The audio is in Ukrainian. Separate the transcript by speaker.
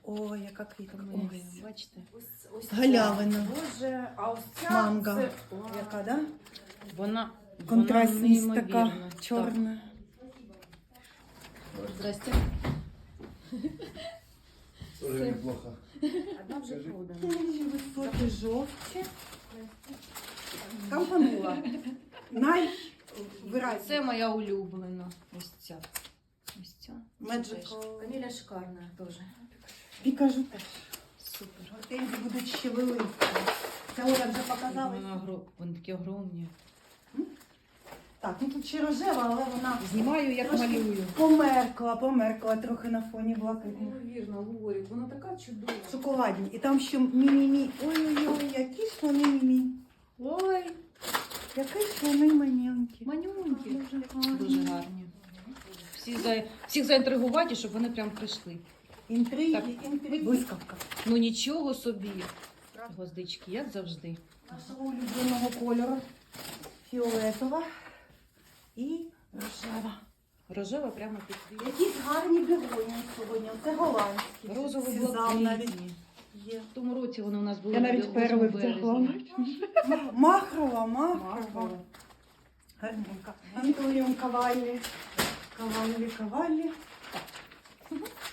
Speaker 1: Ой, яка квітка. Ось.
Speaker 2: Бачите?
Speaker 1: Ось галявина.
Speaker 2: Боже, а ось ця
Speaker 1: Манго.
Speaker 2: це...
Speaker 1: Яка, да?
Speaker 2: Вона
Speaker 1: Контрастність
Speaker 2: вона
Speaker 1: така
Speaker 2: неймовірна.
Speaker 1: чорна.
Speaker 2: Так. Здрасте.
Speaker 3: Тоже неплохо.
Speaker 2: Одна вже продана.
Speaker 1: Високі жовті. Кампанула. Найвиразніше.
Speaker 2: Це моя улюблена. Ось ця. Ось ця.
Speaker 1: Magical.
Speaker 2: Каміля шикарна теж.
Speaker 1: І кажу теж.
Speaker 2: Супер.
Speaker 1: Гортензії будуть ще великі. Це Оля вже показала.
Speaker 2: Вони такі огромні.
Speaker 1: Так, ну тут ще рожева, але вона
Speaker 2: Знімаю, як
Speaker 1: трошки
Speaker 2: малюю.
Speaker 1: померкла трохи на фоні блакитних.
Speaker 2: Неймовірно, Лорі, вона така чудова.
Speaker 1: Шоколадні. І там ще мі-мі-мі. Ой-ой-ой, які ж вони мі-мі.
Speaker 2: Ой,
Speaker 1: Які ж вони маленькі.
Speaker 2: манюнькі.
Speaker 1: Дуже гарні.
Speaker 2: Дуже гарні. Всіх заінтригувати, щоб вони прям прийшли.
Speaker 1: Інтриги,
Speaker 2: Так.
Speaker 1: інтриги. Блискавка.
Speaker 2: Ну нічого собі. Гвоздички, як завжди.
Speaker 1: Нашого улюбленого кольору. Фіолетова і рожева.
Speaker 2: Рожева прямо під світ.
Speaker 1: Якісь гарні бігоні сьогодні. Це голландські. Сезам навіть
Speaker 2: Розово-блакитні.
Speaker 1: є.
Speaker 2: В тому році вони у нас були.
Speaker 1: Я навіть
Speaker 2: в
Speaker 1: перли
Speaker 2: березні.
Speaker 1: втягла. Махрова.
Speaker 2: Махрова.
Speaker 1: Гарненька. Антоніум Каваллі. Каваллі.